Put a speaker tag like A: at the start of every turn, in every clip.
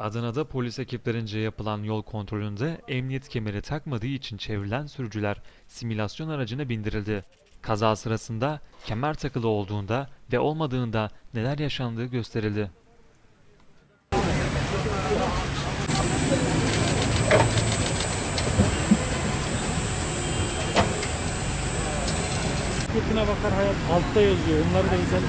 A: Adana'da polis ekiplerince yapılan yol kontrolünde emniyet kemeri takmadığı için çevrilen sürücüler simülasyon aracına bindirildi. Kaza sırasında kemer takılı olduğunda ve olmadığında neler yaşandığı gösterildi.
B: Fırtına bakar hayat altta yazıyor. Onları da güzel.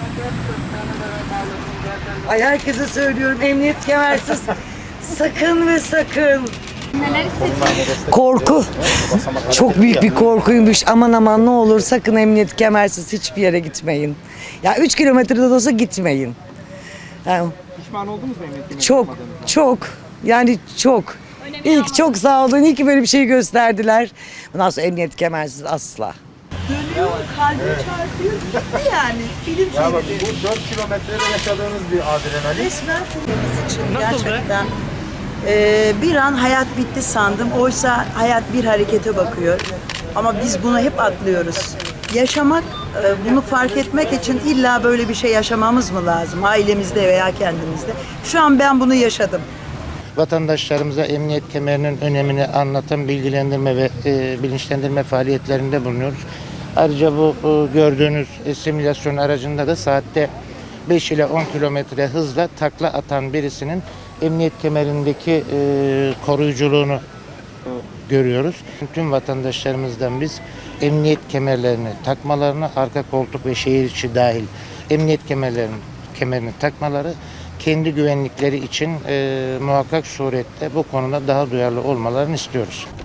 C: Ay herkese söylüyorum, emniyet kemersiz sakın ve sakın. Korku. Çok büyük bir korkuymuş. Aman aman ne olur sakın emniyet kemersiz hiçbir yere gitmeyin. Ya 3 kilometrede de olsa gitmeyin. Yani
B: Pişman oldunuz mu emniyet kemersiz
C: çok
B: olmadığınızda?
C: çok yani çok. İlk çok sağ olun. İyi ki böyle bir şey gösterdiler. Bundan sonra emniyet kemersiz asla.
D: Dönüyor, kalbi çarpıyor, gitti yani. Film
E: Ya bak
D: şeridi.
E: bu 4 kilometrede yaşadığınız bir adrenalin.
D: Resmen filmimiz için gerçekten bir an hayat bitti sandım. Oysa hayat bir harekete bakıyor. Ama biz bunu hep atlıyoruz. Yaşamak, bunu fark etmek için illa böyle bir şey yaşamamız mı lazım? Ailemizde veya kendimizde. Şu an ben bunu yaşadım.
E: Vatandaşlarımıza emniyet kemerinin önemini anlatan bilgilendirme ve bilinçlendirme faaliyetlerinde bulunuyoruz. Ayrıca bu gördüğünüz simülasyon aracında da saatte 5 ile 10 kilometre hızla takla atan birisinin emniyet kemerindeki koruyuculuğunu görüyoruz. Tüm vatandaşlarımızdan biz emniyet kemerlerini takmalarını, arka koltuk ve şehir içi dahil emniyet kemerini takmaları, kendi güvenlikleri için muhakkak surette bu konuda daha duyarlı olmalarını istiyoruz.